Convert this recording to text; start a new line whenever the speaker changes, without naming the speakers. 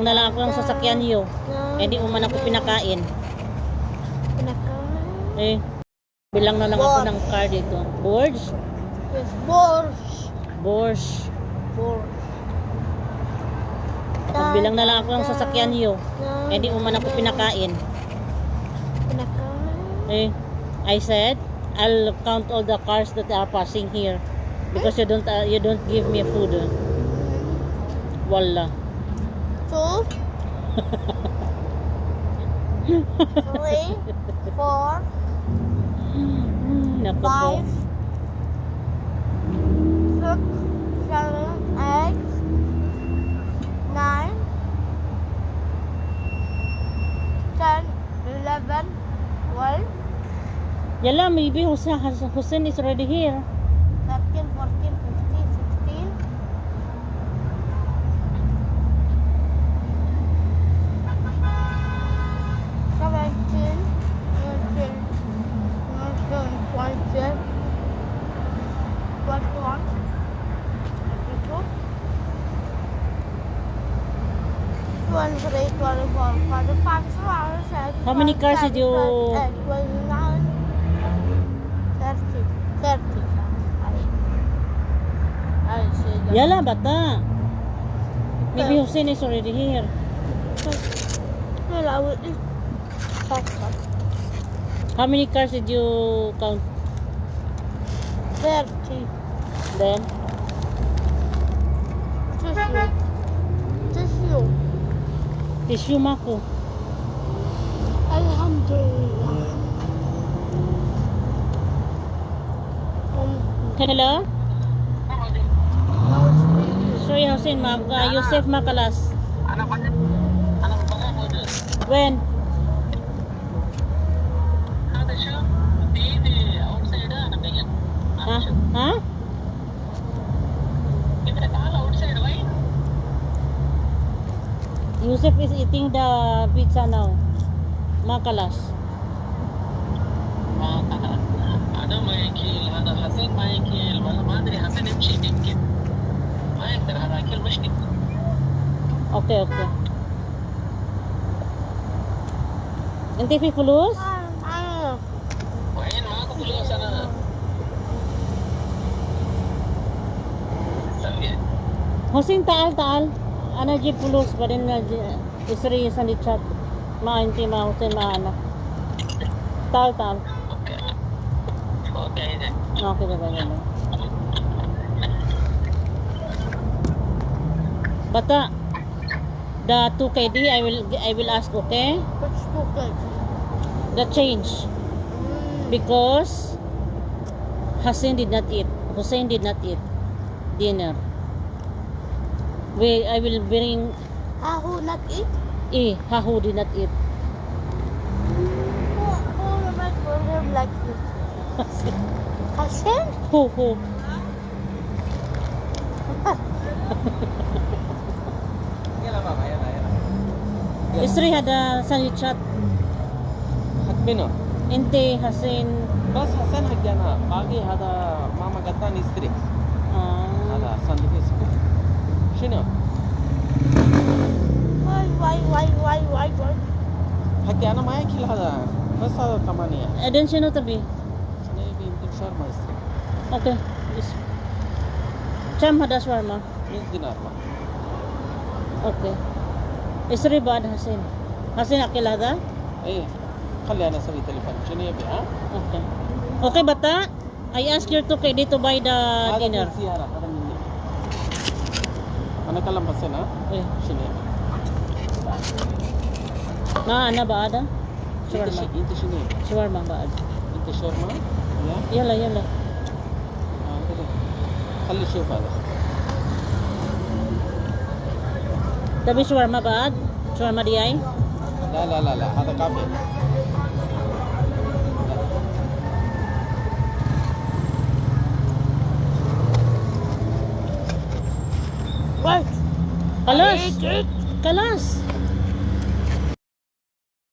Bilang na lang ako ng sasakyan niyo. Hindi mo man ako pinakain. Eh, bilang na lang ako ng car dito. Boards?
Yes, boards.
Boards.
Boards.
Bilang na lang ako ng sasakyan niyo. Hindi mo man ako pinakain. Eh, I said, I'll count all the cars that are passing here because you don't give me food. Wala.
2 3 4
Nako po.
5 6 7 8 9 10 11 12
Yala, maybe Hussein is already here.
13 14 15 16 17 18 19 20 21 22 23 24 25 26
How many cars did you...
29 30 30 I see that.
Yala, bata. Maybe Hussein is already here.
Well, I would eat pasta.
How many cars did you count
30
then?
tissue
Tissue mako.
Alhamdulillah.
Hello?
Now it's baby.
Sorry Hussein, Yusuf Makalas. When? Huh? Huh? Yusuf is eating the pizza now. Makalas.
أنا ما ياكل هذا حسين ما ياكل والله ما أدري حسين يمشي يمكن ما يقدر هذا أكل مشكلة.
Okay, okay. Nanti fi fulus?
وين معك فلوس أنا سوي
Hussein, taal. Ana jeep fulus pa din na isri sa chat. Inti ma Hussein anak. Taal.
أوكي أوكي إذا
Okay, bye. Bata, the 2KD I will ask, okay?
What's stupid?
The change because Hussein did not eat dinner. I will bring
Who not eat?
Hahu did not eat.
Who will make for him like this? Hassan?
Who?
يلا بابا يلا
Isri hada sanichat.
حكمنا
Inte Hussein.
بس حسن حقنا باقي هذا ماما قطان يستري هذا ساندويتش شنو
Why?
حكي أنا ما ياكل هذا بس هذا 8
Eden sino tabi?
أنا يبي يمكن شاورما يستري
Okay. Cham hada shawarma.
100 دينار ما
Okay. Isri ba Hussein? Hussein akil hada?
إيه خلي أنا أسوي تليفون شنو يبي ها
Okay. Okay, bata. I ask your 2KD to buy the
هذا
dinner.
من سيارة هذا مني أنا كلام بس أنا
Eh,
شنو يبي
ana ba ada? Shawarma.
أنت شنو يبي
Shawarma ba ada?
أنت شاورما يا
Yala.
كده خلي شوف هذا
Tabi shawarma ba ad? Shawarma di ay?
لا هذا كافي
What?
Kalas. Kalas.